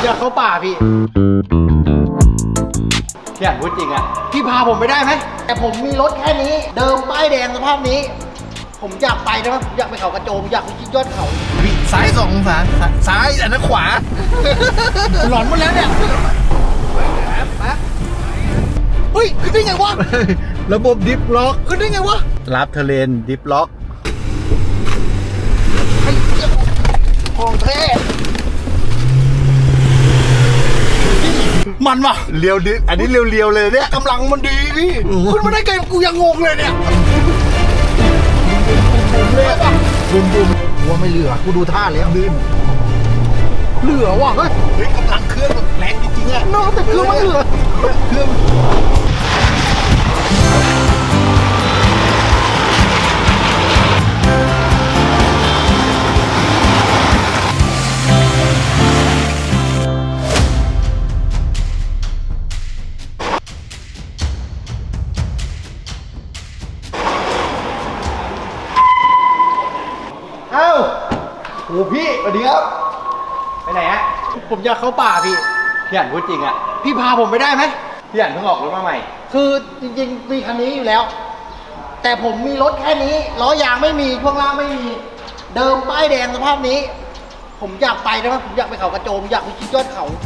อยากเข้าป่าพี่อยากพูดจริงอ่ะพี่พาผมไปได้ไหมแต่ผมมีรถแค่นี้เดิมป้ายแดงสภาพนี้ผมอยากไปนะผมอยากไปเขากระโจมอยากไปชิดยอดเขาซ้าย2 องศาซ้ายอันนั้นขวาหลอนหมดแล้วเนี่ยเฮ้ยขึ้นได้ไงวะระบบดิฟล็อกขึ้นได้ไงวะรับเทเลนดิฟล็อกของแท้มันวะเรียวดิอันนี้เรียวเลยเนี่ยกำลังมันดีพี่ขึ้นมาได้ไงกูยังงงเลยเนี่ยบุมวัวไม่เหลือกูดูท่าแล้วเหลือว่ะเฮ้ยกำลังเครื่องแรงจริงๆอ่ะน้องแต่เครื่องไม่เหลือเครื่องโอ้พี่สวัสดีครับไปไหนฮะผมอยากเข้าป่าพี่อ่านพูดจริงอ่ะพี่พาผมไปได้ไหมพี่อ่านเพิ่งออกรถมาใหม่คือจริงๆมีคันนี้อยู่แล้วแต่ผมมีรถแค่นี้ล้อยางไม่มีช่วงล่างไม่มีเดิมป้ายแดงสภาพนี้ผมอยากไปนะผมอยากไปเขากระโจมอยากไปชิดยอดเขา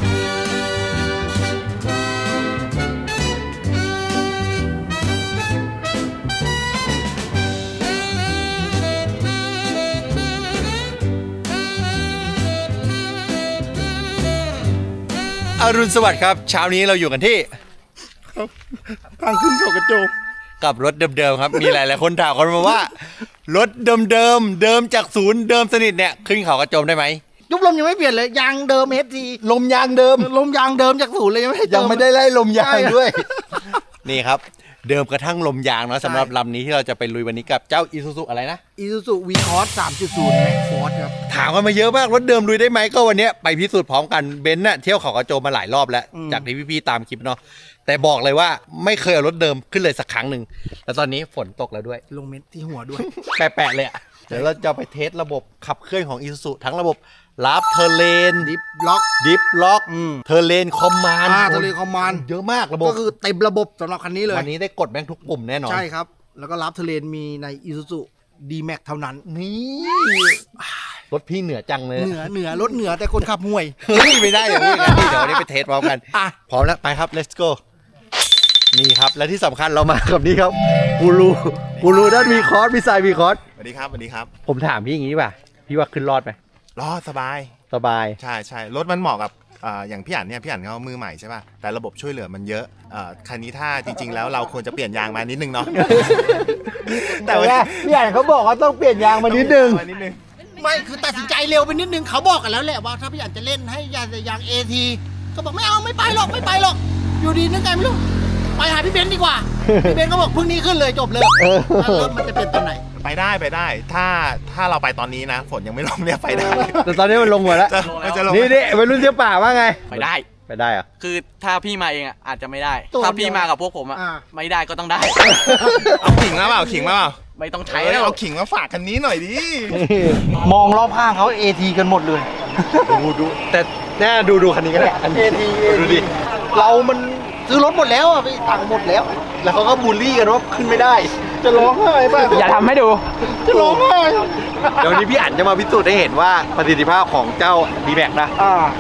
อรุณสวัสดิ์ครับเช้านี้เราอยู่กันที่ทางขึ้นเขากระโจมกับรถเดิมๆครับมีหลายๆคนถามกันมาว่ารถเดิมจากศูนย์เดิมสนิทเนี่ยขึ้นเขากระโจมได้ไหมยุบลมยังไม่เปลี่ยนเลยยางเดิมFT ลมยางเดิมจากศูนย์เลยยังไม่ได้ไล่ลมยางด้วยนี่ครับเดิมกระทั่งลมยางเนาะสำหรับลำนี้ที่เราจะไปลุยวันนี้กับเจ้า Isuzu อะไรนะ Isuzu V-Cross 3.0 Max Force ครับถามกันมาเยอะมากรถเดิมลุยได้ไหมก็วันนี้ไปพิสูจน์พร้อมกันเบนซ์น่ะเที่ยวเขากระโจมมาหลายรอบแล้วจากที่พี่ๆตามคลิปเนาะแต่บอกเลยว่าไม่เคยเอารถเดิมขึ้นเลยสักครั้งหนึ่งแล้วตอนนี้ฝนตกแล้วด้วยลงเม็ดที่หัวด้วยแปะเลยอ่ะเดี๋ยวเราจะไปเทสระบบขับเคลื่อนของ Isuzu ทั้งระบบรับเทเลนดิฟล็อกเทเลนคอมมานด์เทเลนคอมมานด์เยอะมากระบบก็คือเต็มระบบสำหรับคันนี้เลยวันนี้ได้กดแม่งทุกปุ่มแน่นอนใช่ครับแล้วก็รับเทเลนมีใน Isuzu D-Max เท่านั้นนี่รถพี่เหนือจังเลยเหนือรถเหนือแต่คนขับห่วยไม่ได้อย่างนี้เดี๋ยววันนี้ไปเทสพร้อมกันพร้อมแล้วไปครับ let's go นี่ครับและที่สำคัญเรามากับนี่ครับกูรูด้านวีคอร์สพี่สายวีคอร์สสวัสดีครับผมถามพี่อย่างนี้ป่ะพี่ว่าขึ้นรอดไหมรอดสบายใช่รถมันเหมาะกับอย่างพี่อั๋นเนี่ยพี่อั๋นเขามือใหม่ใช่ป่ะแต่ระบบช่วยเหลือมันเยอะคันนี้ถ้าจริงๆแล้วเราควรจะเปลี่ยนยางมานิดนึงเนาะแต่ว่าพี่อั๋นเขาบอกว่าต้องเปลี่ยนยางมานิดนึงไม่คือตัดสินใจเร็วไปนิดนึงเขาบอกกันแล้วแหละว่าถ้าพี่อั๋นจะเล่นให้ยาง AT ก็บอกไม่ไปหรอกอยู่ดีนึกไงไม่รู้ไปหาพี่เบนซ์ดีกว่าพี่เบนซ์ก็บอกพรุ่งนี้ขึ้นเลยจบเลยรถมันจะเป็นตอนไหนไปได้ถ้าเราไปตอนนี้นะฝนยังไม่ลงเนี่ยไปได้แต่ตอนนี้มันลงหมดแล้วนี่วัยรุ่นเที่ยวป่าว่าไงไปได้เหรอคือถ้าพี่มาเองอ่ะอาจจะไม่ได้ถ้าพี่มากับพวกผมอ่ะไม่ได้ก็ต้องได้เอาขิงมาเปล่าไม่ต้องใช้แล้วเอาขิงมาฝากคันนี้หน่อยดิมองรอบข้างเขา AT กันหมดเลยดูแต่แน่ดูคันนี้ก็ได้ AT ดูดิเรามันซื้อรถหมดแล้วอ่ะพี่ตังค์หมดแล้วเขาก็บูลลี่กันว่าขึ้นไม่ได้จะร้องไห้ป่ะอย่าทำให้ดูจะร้องไห้เดี๋ยวนี้พี่อั๋นจะมาพิสูจน์ให้เห็นว่าประสิทธิภาพของเจ้า D-Max นะ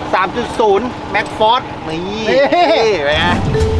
3.0 Max Force นี่เป็นไง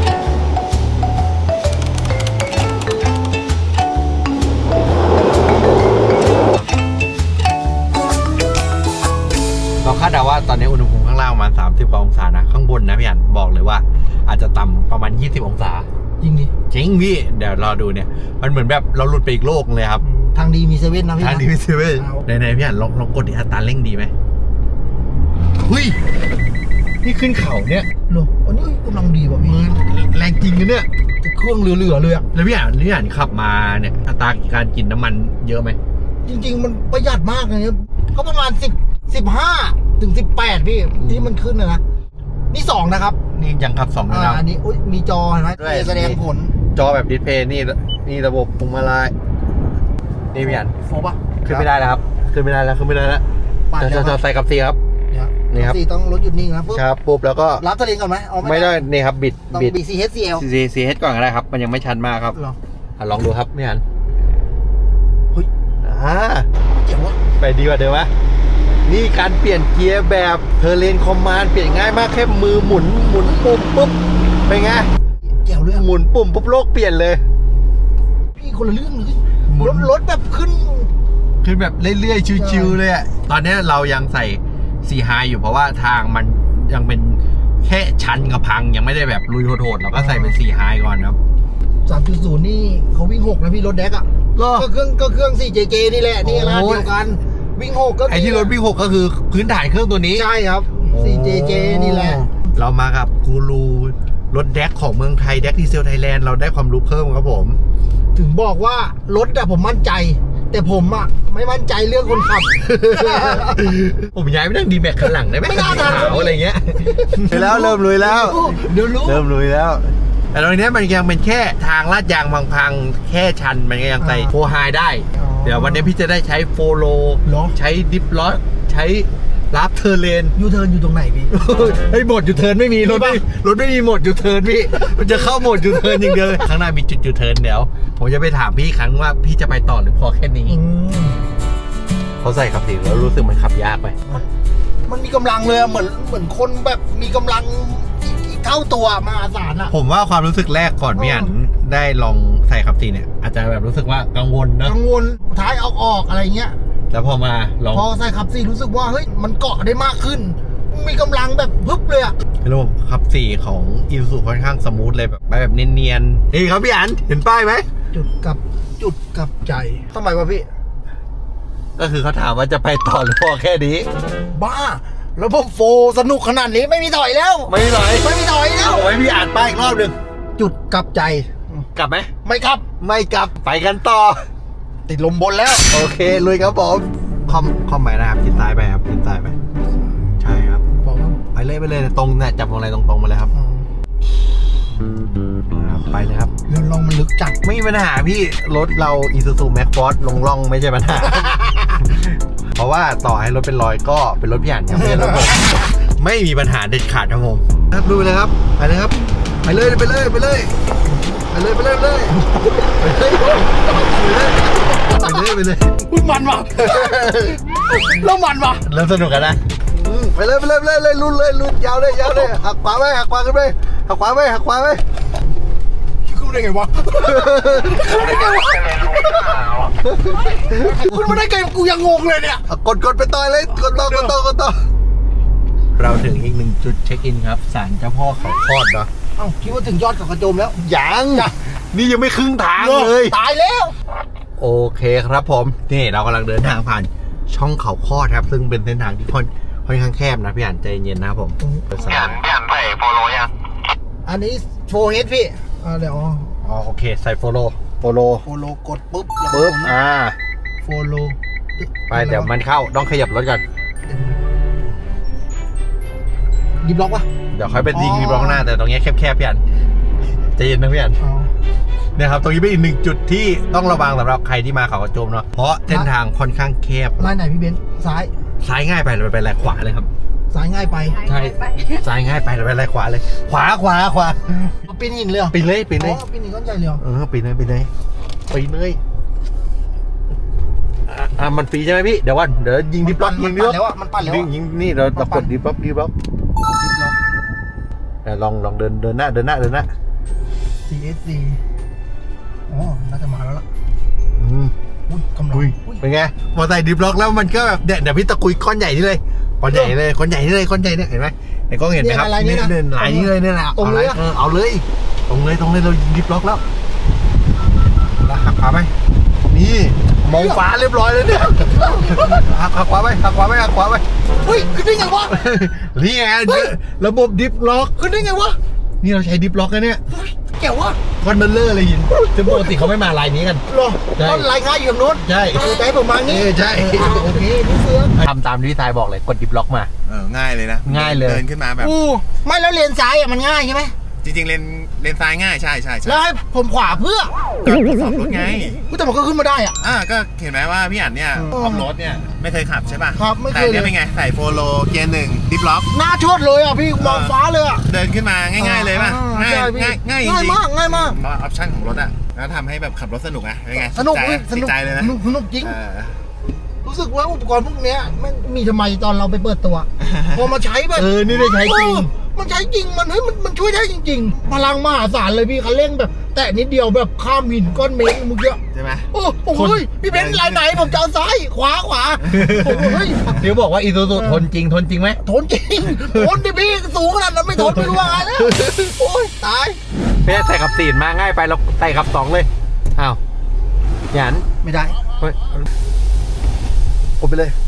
เราคาดเดาว่าตอนนี้อุณหภูมิข้างล่างประมาณ30 กว่าองศานะข้างบนนะพี่อั๋นบอกเลยว่าอาจจะต่ำประมาณ20 องศาจริงพี่เดี๋ยวรอดูเนี่ยมันเหมือนแบบเราหลุดไปอีกโลกเลยครับทางดีมีเซเว่นนะพี่ทางดีมีเซเว่นไหนพี่อั๋นลองกดอัตราเร่งดีไหมเฮ้ยนี่ขึ้นเขาเนี่ยโอ้อันนี้กำลังดีว่ะพี่แรงจริงนะเนี่ยเครื่องเหลือเลยอะแล้วพี่อั๋นขับมาเนี่ยอัตราการกินน้ำมันเยอะไหมจริงๆมันประหยัดมากเลยก็ประมาณ15 ถึง 18พี่ที่มันขึ้นนะนี่2นะครับนี่ยังขับ2นะครับอันนี้มีจอเห็นไหมแสดงผลจอแบบดิสเพย์นี่ระบบพวงมาลัยนี่พี่อั๋นโฟป่ะขึ้นไม่ได้แล้วครับขึ้นไม่ได้แล้วจะใส่กับซีครับนี่ครับสี่ต้องรถหยุดนิ่งนะปุ๊บครับปุ๊บแล้วก็รับตัวเองก่อนไหมเอาไม่ได้นี่ครับบิดต้องบิด BCHCL CH ก่อนก็ได้ครับ มันยังไม่ชันมากครับหรอลองดูครับพี่อันเฮ้ย เจ๋งวะไปดีกว่าเดิมวะนี่การเปลี่ยนเกียร์แบบเทอร์เลนคอมมานด์เปลี่ยนง่ายมากแค่มือหมุนปุ่มปุ๊บเป็นไงเจ๋วเลยอะหมุนปุ่มปุ๊บโลกเปลี่ยนเลยพี่คนละเรื่องเลยหมุนรถแบบขึ้นคือแบบเรื่อยๆชิวๆเลยอะตอนนี้เรายังใส่4 High อยู่เพราะว่าทางมันยังเป็นแค่ชันกับพังยังไม่ได้แบบลุยโหดๆเราก็ใส่เป็น4 High ก่อนครับ 3.0 นี่เขาวิ่ง6นะพี่รถแดกอ่ะเหรอก็เครื่อง 4JJ นี่แหละนี่ร้านเดียวกันวิ่ง6ก็มีไอที่รถวิ่ง6ก็คือพื้นฐานเครื่องตัวนี้ใช่ครับ 4JJ นี่แหละเรามากับกูรูรถแดกของเมืองไทยแดกดีเซลไทยแลนด์เราได้ความรู้เพิ่มครับผมถึงบอกว่ารถอะผมมั่นใจ แต่ผมอะไม่มั่นใจเรื่องคนขับผมย้ายไปนั่งดีแม็กข้างหลังได้ไหมไม่น่าขาวทำอะไรเงี้ยแล้วเริ่มลุยแล้วเดี๋ยวรู้เริ่มลุยแล้ว แต่ตรงนี้มันยังเป็นแค่ทางลาดยางพังๆแค่ชันมันก็ยังใส่โฟไฮได้อ๋อเดี๋ยววันนี้พี่จะได้ใช้โฟโลเหรอใช้ดิฟล็อกใช้รับเทอร์เลนยูเทิร์นอยู่ตรงไหนพี่เฮ้ยโหมดยูเทิร์นไม่มีรถไม่มีโหมดยูเทิร์นพี่มันจะเข้าโหมดยูเทิร์นอย่างเดียวเลยข้างหน้ามีจุดยูเทิร์นเดี๋ยวผมจะไปถามพี่อีกครั้งว่าพี่จะไปต่อหรือพอแค่นี้ เขาใส่ขับสีแล้วรู้สึกมันขับยากไปมันมีกำลังเลยอะเหมือนคนแบบมีกำลังอีกเท่าตัวมหาศาลอะผมว่าความรู้สึกแรกก่อนพี่อันได้ลองใส่ขับสีเนี่ย อาจจะแบบรู้สึกว่ากังวลนะกังวลท้ายเอาออกอะไรเงี้ยแล้วพอมาลองพอใส่ขับสี่รู้สึกว่าเฮ้ยมันเกาะได้มากขึ้น มีกำลังแบบพึบเลยอะระบบขับสีของอีซูซูค่อนข้างสมูทเลยแบบไปแบบเนียนๆนี่ครับพี่อันเห็นป้ายไหมจุดกับใจทำไมวะพี่ก็คือเขาถามว่าจะไปต่อหรือพอแค่นี้บ้า แล้วผมโฟสนุกขนาดนี้ไม่มีถอยแล้วไม่ไหวไม่มีถอยแล้วเอาไว้พี่อ่านป้ายอีกรอบหนึ่งจุดกับใจกลับไหมไม่ครับไม่กลับไปกันต่อติดลมบนแล้วโอเคลุยครับผมคอมไปนะครับชิดซ้ายไปครับชิดซ้ายไปใช่ครับบอกว่าไปเลยตรงเนี่ยจับตรงอะไรตรงๆมาเลยครับไปเลยครับเรื่องลองมันลึกจัดไม่มีปัญหาพี่รถเรา Isuzu Max Force ลงร่องไม่ใช่ปัญหา เพราะว่าต่อให้รถเป็นรอยก็เป็นรถพี่อ่านครับไม่ใช่รถผมไม่มีปัญหาเด็ดขาดครับผมครับดูไปเลยครับไปเลยครับไปเลยอุ้ยมันว่ะ แล้วมันว่ะเริ่มสนุกกันนะไปเลยลุ้นยาวเลยหักขวาขึ้นไปหักขวาไปขึ้นมาได้ไงวะขึ้นมาได้ไงกูยังงงเลยเนี่ยกดไปต่อเลยกดต่อเราถึงอีกหนึ่งจุดเช็คอินครับศาลเจ้าพ่อเขาคลอดเนาะเอ้าคิดว่าถึงยอดเขากระโจมแล้วยังนี่ยังไม่ครึ่งทางเลยตายแล้วโอเคครับผมนี่เรากำลังเดินทางผ่านช่องเขาคลอดครับซึ่งเป็นเส้นทางที่ค่อนข้างแคบนะพี่อ่านใจเย็นนะครับผมพี่อ่านใส่โฟโลยังอันนี้โฟเฮดพี่เดี๋ยวอ๋อโอเคใส่โฟโลโฟโลกดปุ๊บแล้วก็ปึ๊บโฟโลไปเดี๋ยวมันเข้าต้องขยับรถก่อนดิบล็อกวะเดี๋ยวค่อยไปยิงมีบล็อกหน้าแต่ตรงนี้แคบๆพี่อันใจเย็นนะพี่อันอ๋อเนี่ยครับตรงนี้เป็นอีกหนึ่งจุดที่ต้องระวังสำหรับใครที่มาเขากระโจมเนาะเพราะเส้นทางค่อนข้างแคบลายไหนพี่เบนซ์ซ้ายซ้ายง่ายไปเราไปแลขวาเลยครับซ้ายง่ายไปใช่ซ้ายง่ายไปเราไปแลขวาเลย ขวาปีนหินเลยเหรอปีนเลยปีนหินก้อนใหญ่เลยเหรอปีนเลยมันฟรีใช่ไหมพี่เดี๋ยวยิงดิบล็อกมันปั่นแล้วอะมันปั่นแล้วยิงนี่เรากดดิบล็อกแต่ลองเดินหน้า CSC อ๋อน่าจะมาแล้วล่ะ อุ้ยกำลังอุ้ยเป็นไงพอใส่ดิบล็อกแล้วมันก็แบบเดี๋ยวพี่ตะกุยก้อนใหญ่นี่เลยก้อนใหญ่เนี่ยเห็นไหมในกล้องเห็นไหมครับลายนี้นะลายนี้เลยเนี่ยแหละตรงเลยเอาเลยตรงเลยเราดิบล็อกแล้วหักขวาไหมนี่มองฟ้าเรียบร้อยเลยเนี่ยหักขวาไปเฮ้ยขึ้นได้ไงวะนี่ไงระบบดิฟล็อกขึ้นได้ไงวะนี่เราใช้ดิฟล็อกนะเนี่ยแก้ววะคอนเบลเลอร์เลยหินซึ่งปกติเขาไม่มาลายนี้กันหรอใช่ต้นลายค้าอยู่ตรงนู้นใช่ใจผมมางี้ใช่โอเคนี่เสือทำตามที่ทรายบอกเลยกดดิฟล็อกมาง่ายเลยนะง่ายเลยเดินขึ้นมาแบบไม่แล้วเลนซ้ายอ่ะมันง่ายใช่ไหมจริงๆเลนซ้ายง่ายใช่ใช่แล้วให้ผมขวาเพื่อก็ขับรถไงแต่มันก็ขึ้นมาได้อ่ะก็เห็นไหมว่าพี่อั๋นเนี่ยออฟโรดเนี่ยไม่เคยขับใช่ป่ะครับไม่เคยแต่เนี่ยเป็นไงใส่โฟโลเกียร์1ดิฟล็อกหน้าชดเลยอ่ะพี่มองฟ้าเลยอ่ะเดินขึ้นมาง่ายๆเลยป่ะอ่าง่ายใช่พี่ง่ายจริงง่ายมากง่ายมากออปชั่นของรถอ่ะแล้วทำให้แบบขับรถสนุกอ่ะเป็นไงสนุกติพี่ดสนุกใจเลยนะสนุกจริงเออรู้สึกว่าอุปกรณ์พวกเนี้ยมันมีทำไมตอนเราไปเปิดตัว พอมาใช้แบบนี่ได้ใช้จริงมันใช้จริงมันเฮ้ยมันช่วยได้จริง ๆ พลังมหาศาลเลยพี่คันเร่งแบบ แตะนิดเดียวแบบข้ามหินก้อนเมฆเมื่อกี้ใช่ไหมโอ้โหเฮ้ยพี่เบนซ์ลายไหนผมจะเอาซ้ายขวาผมเฮ้ยเดี๋ยวบอกว่าอีซูซูทนจริงไหมทนจริงทนดิพี่สูงขนาดนั้นไม่ทนไม่รู้ว่าไงแล้วโอ้ยตายเพ่ใส่กับ4มาง่ายไปเราใส่กับ2เลยอ้าวหยันไม่ได้เฮ้ยกดไปเลย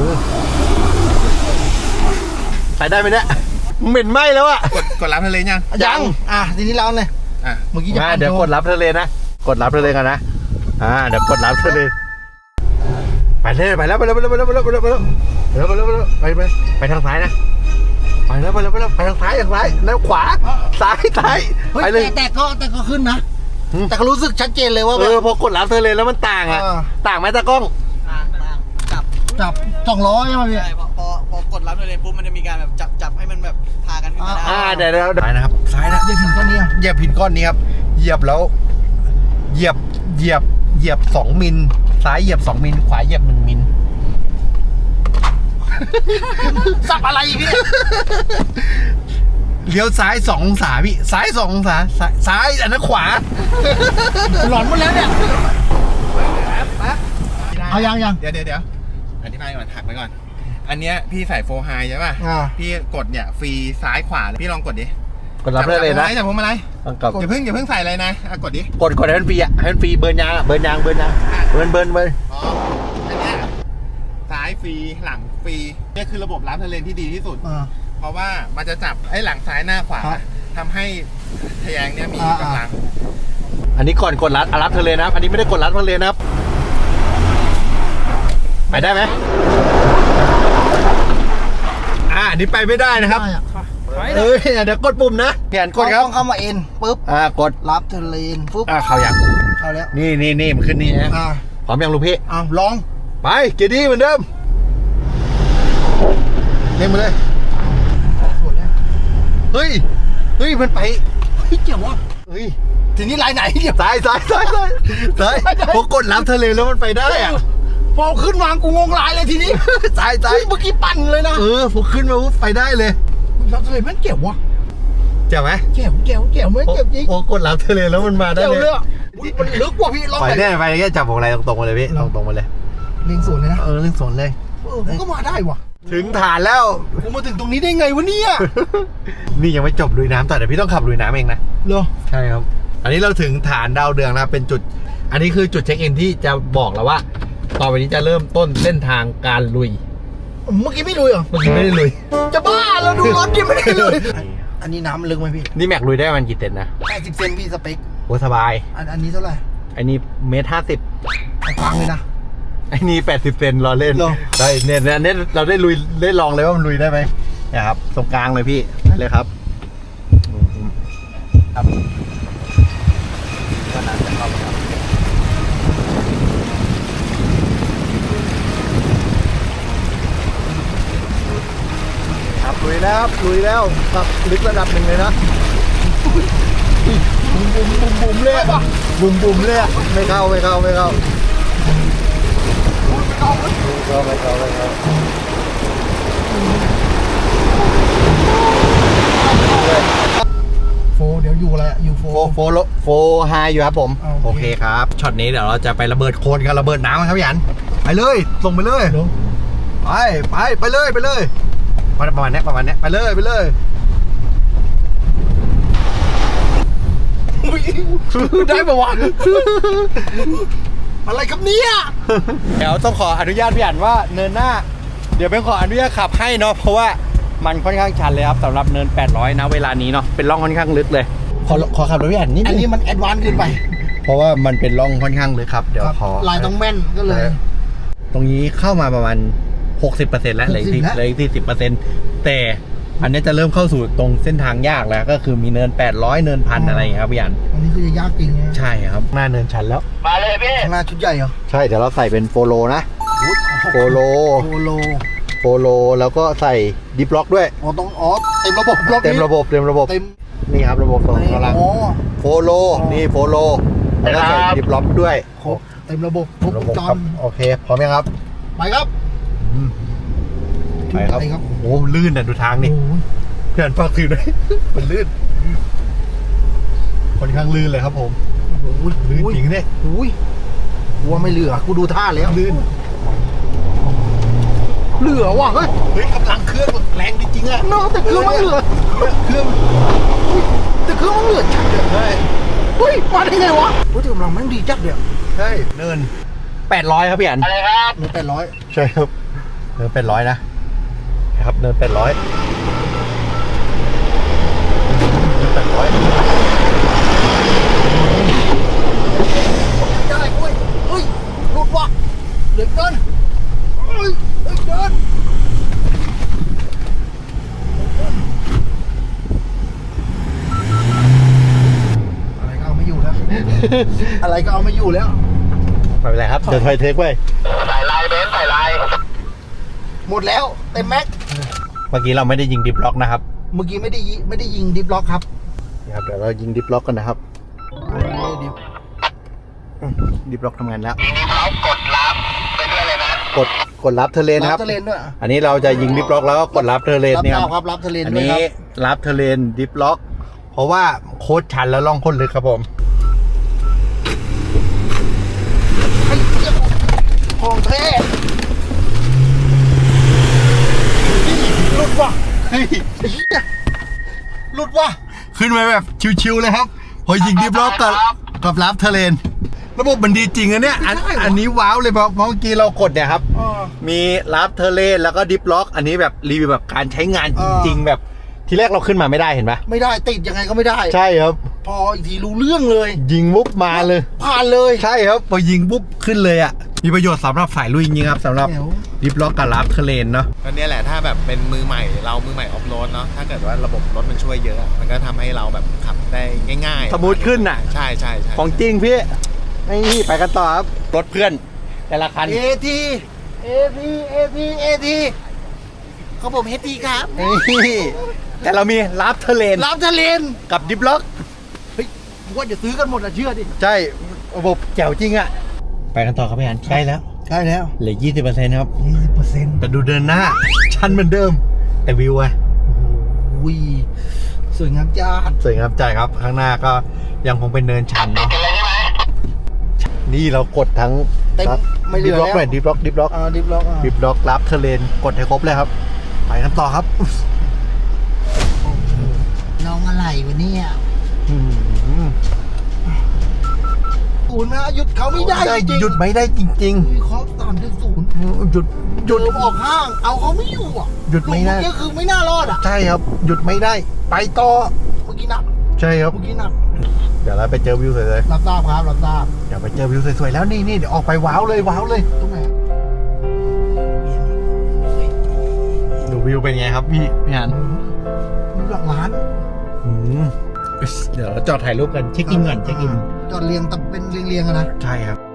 ใส่ได้ไหมเนี่ยเหม็นไหมแล้วอะกดรับทะเลยังยังทีนี้เราเลยอ่ะเมื่อกี้จะเดี๋ยวกดรับทะเลนะกดรับทะเลกันนะเดี๋ยวกดรับทะเลไปเลยไปแล้วไปแล้วไปแล้วไปแล้วไปแล้วไปแล้วไปแล้วไปทางซ้ายนะไปแล้วไปทางซ้ายแล้วขวาซ้ายเฮ้ยไปเลยแต่ก็ขึ้นนะ แต่ก็รู้สึกชัดเจนเลยว่าแบบพอกดรับทะเลแล้วมันต่างอะอ่าต่างไหมตากล้องจับ200ใช่ไหมพี่ใช่พอกดรับเลยปุ๊บมันจะมีการแบบจับให้มันแบบพากันขึ้นมาได้เดี๋ยวซ้ายนะครับซ้ายนะอย่าถึงต้นนี้เหยียบผิดก้อนนี้ครับเหยียบแล้วเหยียบ2 มิลซ้ายเหยียบ2 มิลขวาเหยียบ1 มิลสับอะไรพี่เลี้ยวซ้าย2 องศาพี่ซ้าย2 องศาซ้ายอันนั้นขวาหลอนหมดแล้วเนี่ยเอายังเดี๋ยวอธิบายก่อนหักไปก่อน อันเนี้ยพี่ใส่โฟไฮใช่ป่ะ พี่กดเนี่ยฟรีซ้ายขวาเลยพี่ลองกดดิกดรับได้เลยนะจับผมอะไรกับอย่าเพิ่งใส่อะไรนะกดดิกดให้มันฟรีอ่ะให้มันฟรีเบิร์นยางเบิร์นอ๋ออันเนี้ยซ้ายฟรีหลังฟรีเนี่ยคือระบบรับทะเลนที่ดีที่สุด เพราะว่ามันจะจับไอ้หลังซ้ายหน้าขวาทำให้ทะแยงเนี่ยมีกำลังอันนี้ก่อนกดรับทะเลนะครับอันนี้ไม่ได้กดรับทะเลนะครับไปได้ไหมอันนี้ไปไม่ได้นะครับเดี๋ยวกดปุ่มนะเปลี่ยนกดครับต้องเข้ามาเอ็นปุ๊บกดรับเทเลนปุ๊บเข้ายังเข้าแล้วนี่มันขึ้นนี่ฮะพร้อมยังลูกพี่ลองไปเกียร์ดีเหมือนเดิมเล่นมาเลยสวยแล้วเฮ้ยมันไปเจ๋งว่ะเฮ้ยทีนี้ลายไหนเนี่ยซ้ายพอกดรับทะเลแล้วมันไปได้อะพอขึ้นวางกูงงลายเลยทีนี้ซ้ายเมื่อกี้ปั่นเลยนะพอขึ้นมาปุ๊บไปได้เลยรับทะเลมันเจ๋งว่ะเจ๋งไหมเจ๋งไม่เจ๋งจริงพอกดรับทะเลแล้วมันมาได้เจ๋งเลเลย ยมันลึกกว่าพี่ลองไปไปเนี่ยไปแค่จับของอะไรตรงๆมาเลยพี่ตรงๆมาเลยเลียงสวนเลยนะเรื่องสนเลยผมก็มาได้ว่ะถึงฐานแล้วกูมาถึงตรงนี้ได้ไงวะเนี่ยนี่ยังไม่จบลุยน้ำต่อเดี๋ยวพี่ต้องขับลุยน้ำเองนะเหรอใช่ครับ อันนี้เราถึงฐานดาวเรืองแล้วเป็นจุด อันนี้คือจุดเช็คอินที่จะบอกแล้วว่า ต่อไปนี้จะเริ่มต้นเส้นทางการลุยเมื่อกี้ไม่ลุยเหรอเมื่อกี้ไม่ได้ลุยจะบ้าเราดูรถยังไม่ได้ลุยอันนี้น้ำมันลึกไหมพี่นี่แม็กลุยได้มันกี่เซนนะ 80 เซนพี่สเปคโอ้สบายอันนี้เท่าไหร่ไอ้นี่1.50 ฟังเลยนะไอ้นี่80 เซนรอเล่นเหรอได้เนี่ยเราได้ลุยได้ลองเลยว่ามันลุยได้ไหมนะครับตรงกลางเลยพี่ไปเลยครับครับก็น่าจะเข้ามาครับลุยแล้วครับลึกระดับหนึ่งเลยนะบุมเลยอะบุมเลยอะไม่เข้าโฟเดี๋ยวอยู่อะไรอยู่โฟไฮอยู่ครับผม โอเคครับช็อตนี้เดี๋ยวเราจะไประเบิดโคลนกันระเบิดน้ำกันครับพี่อันไปเลยส่งไปเลยไปเลยประมาณนี้ไปเลยได้ปะวะอะไรครับเนี่ยเดี๋ยวต้องขออนุญาตพี่อันว่าเนินหน้าเดี๋ยวเป็นขออนุญาตขับให้เนาะเพราะว่ามันค่อนข้างชันเลยครับสำหรับเนิน800นะเวลานี้เนาะเป็นร่องค่อนข้างลึกเลยขอขับรถพี่อันนิดอันนึนี้งมันแอดวานซ์ขึ้นไปเพราะว่ามันเป็นร่องค่อนข้างลึกครับเดี๋ยวขอลายต้องแม่นก็เลยตรงนี้เข้ามาประมาณ 60% แล้วเหลืออีก 60% 40%แต่อันนี้จะเริ่มเข้าสู่ตรงเส้นทางยากแล้วก็คือมีเนิน800เนินพันอะไรอย่างเงี้ยครับพี่อันอันนี้คือจะยากจริงไงใช่ครับหน้าเนินชันแล้วข้างหน้าชุดใหญ่เหรอใช่เดี๋ยวเราใส่เป็นโฟโลนะโฟโลโฟโลโฟโลแล้วก็ใส่ดิฟล็อกด้วยอ๋อต้องอ๋อเต็มระบบล็อกเต็มระบบเต็มระบบเต็มนี่ครับระบบส่งกำลังอ๋อโฟโลนี่โฟโลแล้วก็ใส่ดิฟล็อกด้วยครบเต็มระบบครบวระงบบจครัรบโอเคพร้อมยังครับไปครับไปครับไปครับโอ้โหลื่นอ่ะดูทางนี่โอ้ยเพื่อนฝากถือด้วย มันลื่นค่อนข้างลื่นเลยครับผมโอ้ยลื่นจริงเนี่ยโอ้ยกลัวไม่เหลือกูดูท่าแล้วลื่นเหลือว่ะเฮ้ยเฮ้ยกำลังเครื่องแรงจริงๆอ่ะเนาะแต่เครื่องมันเหลือเครื่องแต่เครื่องมันเหลือจัดเลยใช่เฮ้ยมาได้ไงวะเฮ้ยแต่กำลังแม่งดีจัดเดียวใช่เนิน800ครับพี่อันหนึ่ง800 ใช่ครับเนิน800นะครับเนิน800เนิน800 ได้เว้ยเฮ้ยหลุดว่ะเหลือเกินเฮ้ยเฮ้ยเดินอะไรก็เอาไม่อยู่แล้ว อะไรก็เอาไม่อยู่แล้วไม่เป็นไรครับเดี๋ยวถอยเทคไว้หมดแล้วเต็มแม็กเมื่อกี้เราไม่ได้ยิงดิฟล็อกนะครับเมื่อกี้ไม่ได้ยิงดิฟล็อกครับนะครับเดี๋ยวเรายิงดิฟล็อกกันนะครับไม่ได้ดิฟดิฟล็อกทำงานแล้วกดรับเทเลนนะครับรับทะเลนด้วยอันนี้เราจะยิงดิฟล็อกแล้วก็กดรับเทเลนรับเนี่ยดาวครับรับทะเลนอันด้วยนี้ครับรับเทเลนดิฟล็อกเพราะว่าโค้ดชันแล้วล่องโค้ดลึกครับผมไอ้เหี้ยของแท้หลุดว่ะเฮ้ยไอ้เหี้ยหลุดว่ะขึ้นไปแบบชิวๆเลยครับพอยิงดิฟล็อกกับรับเทเลนระบบมันดีจริงอะเนี่ยอันนี้ว้าวเลยเพราะเมื่อกี้เรากดเนี่ยครับ มีรับเทเลนแล้วก็ดิฟล็อกอันนี้แบบรีวิวแบบการใช้งานจริงๆแบบทีแรกเราขึ้นมาไม่ได้เห็นปะไม่ได้ติดยังไงก็ไม่ได้ใช่ครับพออีกทีรู้เรื่องเลยยิงปุ๊บมาเลยผ่านเลยใช่ครับพอยิงปุ๊บขึ้นเลยอ่ะมีประโยชน์สำหรับสายลุยจริงๆครับสำหรับแจ๋วดิฟล็อกกับรับเทเลนเนาะก็เนี่ยแหละถ้าแบบเป็นมือใหม่เรามือใหม่ออฟโรดเนาะถ้าเกิดว่าระบบรถมันช่วยเยอะ มันก็ทำให้เราแบบขับได้ง่ายๆสมูทขึ้นน่ะใช่ใช่ใช่ของจริงพี่นี่ไปกันต่อครับรถเพื่อนแต่ละคันเอทีเขาผมเฮทีครับนี่แต่เรามีรับเทเลนรับทะเลนกับดิฟล็อกเฮ้ยผมว่าจะซื้อกันหมดอะเชื่อดิใช่ระบบแจ๋วจริงอ่ะไปกันต่อครับพี่อันใกล้แล้วใช่แล้วเหลือ 20%ครับ 20% แต่ดูเดินหน้า ชันเหมือนเดิม แต่วิวอะโอ้ยสวยงามจัดสวยงามใจครับ ข้างหน้าก็ยังคงเป็นเนินชันเนาะนี่เรากดทั้งเต็มไม่เหลือดิฟล็อกแล้วหน่อยดิฟล็อกดิฟล็อกดิฟล็อกรับเทเลนกดให้ครบเลยครับ ไปกันต่อครับน้องอะไรวะเนี่ยอืมศูนย์นะหยุดเขาไม่ได้จริงหยุดไม่ได้จริงมีข้อ3.0 ๆ หยุดหยุดออกห้าง เอาเขาไม่อยู่อ่ะหยุดไม่ได้เมื่อกี้คือไม่น่ารอดอ่ะใช่ครับ หยุดไม่ได้ ไปต่อเมื่อกี้หนักใช่ครับเมื่อกี้หนักเดี๋ยวเราไปเจอวิวสวยรับทราบครับรับทราบๆเดี๋ยวไปเจอวิวสวยๆแล้วนี่เดี๋ยวออกไปว้าวเลยตรงไหนดูวิวเป็นไงครับพี่อันมีหลักล้านเดี๋ยวเราจอดถ่ายรูปกันเช็คอินก่อนเช็คอินจอดเรียงแต่เป็นเรียงๆอะนะใช่ครับ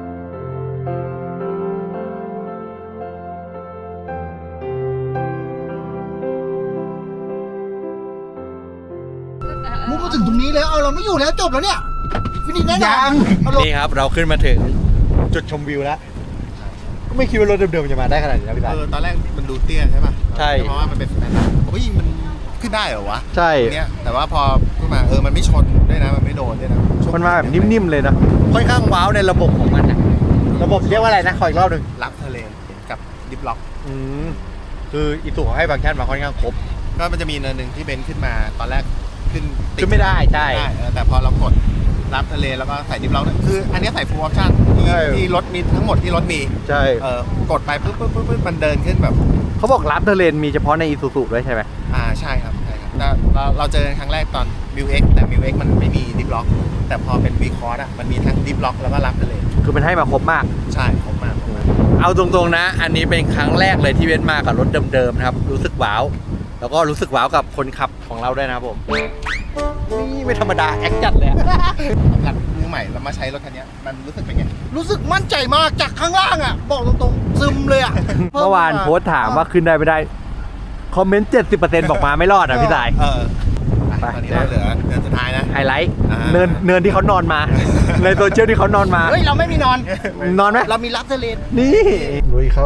มุกมาถึงตรงนี้แล้ว เอาเราไม่อยู่แล้วจบแล้วเนี่ยฟินิชแน่นอนเอาลงนี่ครับเราขึ้นมาถึงจุดชมวิวแล้วก็ไม่คิดว่ารถเดิมๆจะมาได้ขนาดนี้นะพี่ตาตอนแรกมันดูเตี้ยใช่ป่ะใช่เพราะว่ามันเป็นสแตนดาร์ดเฮ้ยมันขึ้นได้เหรอวะใช่เนี่ยแต่ว่าพอขึ้นมามันไม่ชนด้วยนะมันไม่โดนด้วยนะมันมาแบบนิ่มๆเลยนะค่อนข้างว้าวในระบบของมันนะระบบเรียกว่าอะไรนะขออีกรอบหนึ่งรับทะเลกับดิฟล็อกคืออีตู่ให้ฟังก์ชันมาค่อนข้างครบก็มันจะมีเนินหนึ่งที่เบนซ์ขึ้นมาตอนแรกขึ้นขึ้นไม่ได้ใช่แต่พอเรากดรับทะเลแล้วก็ใส่ดิฟล็อกเนี่ยคืออันนี้ใส่ฟูลออปชั่นใช่ที่รถมีทั้งหมดที่รถมีใช่กดไปปุ๊บมันเดินขึ้นแบบเขาบอกรับเทเลนมีเฉพาะในอีซูซูด้วยใช่ไหมใช่ครับแล้วเราเจอกันครั้งแรกตอน m ิว X แต่ m ิว X มันไม่มีดิฟล็อกแต่พอเป็น V Cross มันมีทั้งดิฟล็อกแล้วก็รับทะเลคือมันให้มาครบมากใช่ครบมากเอาตรงๆนะ อันนี้เป็นครั้งแรกเลยที่เว้นมากับรถเดิมๆนะครับรู้สึกว้าวแล้วก็รู้สึกว้าวกับคนขับของเราด้วยนะครับผมนี่ไม่ธรรมดาแอคจัดเลยอะสำหรับมือใหม่เรามาใช้รถคันนี้มันรู้สึกเป็นไงรู้สึกมั่นใจมากจากข้างล่างอ่ะ บอกตรงๆซึมเลยอ่ะเมื่อวานโพสต์ถามว่าขึ้นได้ไม่ได้ คอมเมนต์ 70%บอกมาไม่รอดอ่ะพี่สายตอนนี้เราเหลือเดือนสุดท้ายนะไฮไลท์อ่าเนินที่เขานอนมา ในโซเชียลที่เขานอนมาเฮ้ย เราไม่มีนอนนอนไหมเรามีรับเทเลนนี่ลุยครับ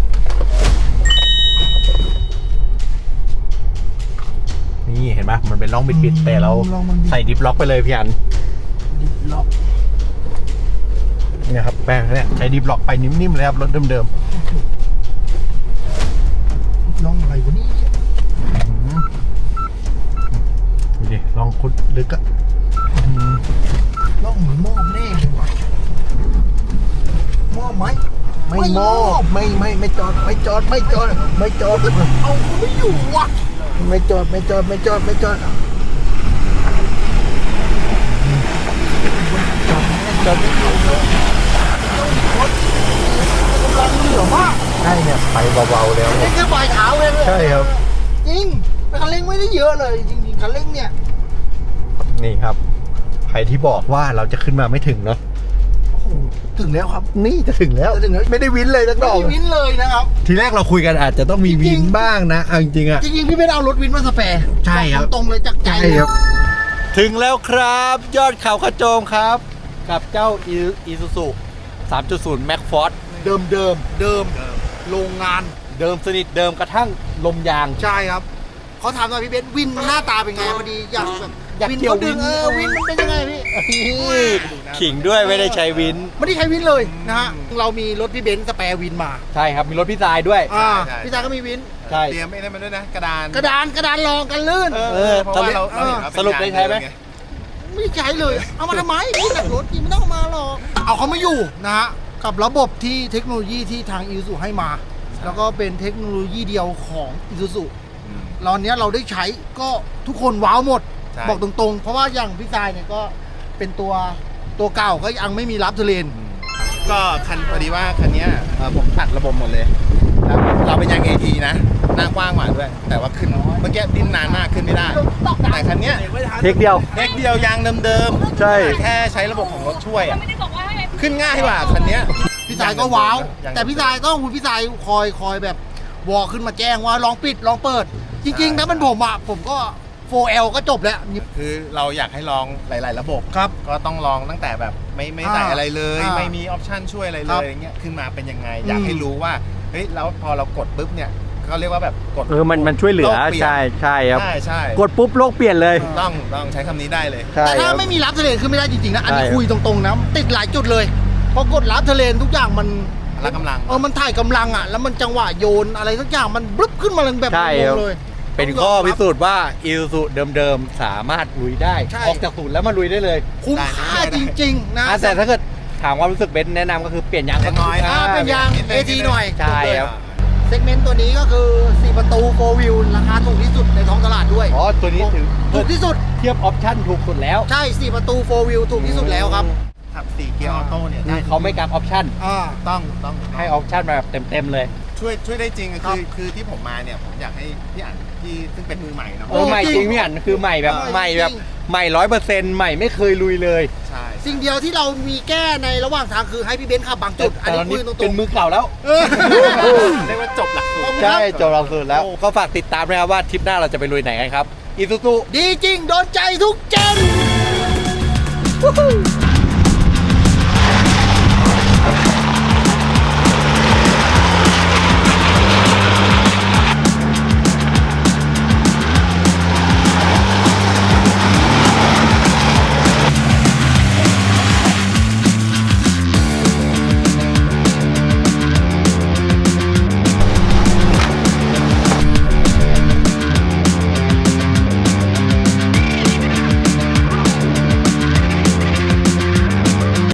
นี่เห็นปะมันเป็นร่องบิดๆแต่เราใส่ดิฟล็อกไปเลยพี่อันดิฟล็อกเนี่ยครับแป้งเนี่ยใช้ดิฟล็อกไปนิ่มๆเลยครับรถเดิมลองอะไรวะนี่ๆดูดิลองคุดลึกอะลองเหมือนหม้อแน่เลยว่ะหม้อไหมไม่มอบไม่จอดไม่จอดไม่จอดไม่จอดเอาไม่อยู่ว่ะไม่จอดไม่จอดไม่จอดไม่จอดจอดไม่อยู่กำลังเหลือมากใช่เนี่ยไปเบาๆแล้วนี่แค่ปลายเท้าเลยใช่ครับจริงแต่คันเร่งไม่ได้เยอะเลยจริงๆคันเร่งเนี่ยนี่ครับใครที่บอกว่าเราจะขึ้นมาไม่ถึงเนาะโอ้โหถึงแล้วครับนี่จะถึงแล้วจะถึงแล้วไม่ได้วินเลยสักดไม่อกได้วินเลยนะครับทีแรกเราคุยกันอาจจะต้องมีวินบ้างนะเอาจริงๆอ่ะจริงๆพี่เป็นเอารถวินมาสแปร์ใช่ครับอกตรงๆเลยจากใจใช่ครับ ถึงแล้วครับยอดเขาขโจมครับ กับเจ้าอีซูซู 3.0 Max Force เดิมโรงงานเดิมสนิทเดิมกระทั่งลมยางใช่ครับเขาถามหน่อยพี่เบนซ์วินหน้าตาเป็นไงพอดีอยากแบบอยากวินเกี่ยวเขาดึงวินวินมันเป็นยังไงพี่ขิงด้วยไม่ได้ใช้วินไม่ได้ใช้วินเลยนะฮะเรามีรถพี่เบนซ์สแปร์วินมาใช่ครับ มีรถพี่ทรายด้วยพี่ชายก็มีวินใช่เตรียมไอ้นั่นมาด้วยนะ กระดานกระดานรองกันลื่นเพราะว่าเราเห็นว่าเป็นสรุปได้ใช้ไหมงานไม่ได้ใช้เลย เอามาทำไมพี่หนักรถพี่ไม่ต้องเอามาหรอกเอาเขามาอยู่นะฮะกับระบบที่เทคโนโลยีที่ทางอีซูให้มา แล้วก็เป็นเทคโนโลยีเดียวของอีซูซูตอนนี้เราได้ใช้ก็ทุกคนว้าวหมดใช่บอกตรงๆ เพราะว่าอย่างพี่ชายเนี่ยก็เป็นตัวเก่าก็ยังไม่มีรับเทเลนก็คันพอดีว่าคันเนี้ยผมตัดระบบหมดเลยแล้วเราเป็นยาง AT นะ หน้ากว้างกว่าด้วย แต่ว่าขึ้นเมื่อกี้ดิ้นนานมากขึ้นไม่ได้ แต่คันเนี้ยเทคเดียวเล็กเดียวยางเดิมๆใช่แค่ใช้ระบบของรถช่วยอ่ะขึ้นง่ายกว่าคันเนี้ยพี่ชายก็ว้าวยางแต่พี่ชายต้องคุณพี่ชายคอยแบบวอลขึ้นมาแจ้งว่าลองปิดลองเปิด จริงๆถ้าเป็นผมอ่ะผมก็ 4L ก็จบแล้วคือเราอยากให้ลองหลาย ๆ ระบบครับก็ต้องลองตั้งแต่แบบไม่ใส่อะไรเลย ไม่มีออปชั่นช่วยอะไรเลครับยอย่างเงี้ยขึ้นมาเป็นยังไง อยากให้รู้ว่าเฮ้ยแล้วพอเรากดปุ๊บเนี่ยเขาเรียกว่าแบบกดมันช่วยเหลือโกปลี่ยนใช่ครับใช่กดปุ๊บโลกเปลี่ยนเลยต้องใช้คำนี้ได้เลยแต่ถ้าไม่มีรับเทเลนขึ้นไม่ได้จริงๆนะ อันนี้ใช่ครับคุยตรงๆนะติดหลายจุดเลยพอกดรับเทเลนทุกอย่างมันพละกำลังมันถ่ายกำลังอ่ะแล้วมันจังหวะโยนอะไรทุกอย่างมันบลึบขึ้นมาเลยแบบใช่งครับงเลยเป็นข้อพิสูจน์ว่าอีซูซูเดิมๆ สามารถลุยได้ใช่ออกจากศูนย์แล้วมาลุยได้เลยคุ้มค่าจริงๆนะแต่ถ้าเกิดถามความรู้สึกเบนซ์แนะนำก็คือเปลี่ยนยางเล็กน้อยเป็นยาง AT หน่อยใช่ครับเซกเมนต์ตัวนี้ก็คือ 4 ประตู 4 wheel ราคาถูกที่สุดในท้องตลาดด้วยอ๋อ ตัวนี้ถือถูกที่สุดเทียบออปชั่นถูกสุดแล้วใช่ 4 ประตู 4 wheel ถูกที่สุดแล้วครับขับ4เกียร์ออโต้เนี่ยคือเขาไม่กักออปชั่นต้องให้ออปชั่นมาแบบเต็มๆเลยช่วยได้จริงครับคือที่ผมมาเนี่ยผมอยากให้พี่อ่านที่ซึ่งเป็นมือใหม่เนาะโอ้ใหม่จริงพี่อันคือใหม่แบบใช่ใหม่แบบจริงใหม่100%ใหม่ไม่เคยลุยเลยใช่สิ่งเดียวที่เรามีแก้ในระหว่างทางคือให้พี่เบนซ์ขับบางจุด อันแต่นี้ตอนคุนี้ยตรงเป็นมือเก่าแล้วๆเออเรียกว่าจบหลักสูตรใช่จบเราสุดแล้ว ก็ฝากติดตามนะครับว่าทริปหน้าเราจะไปลุยไหนกันครับอีซูซูดีจริง โดนใจทุกเจน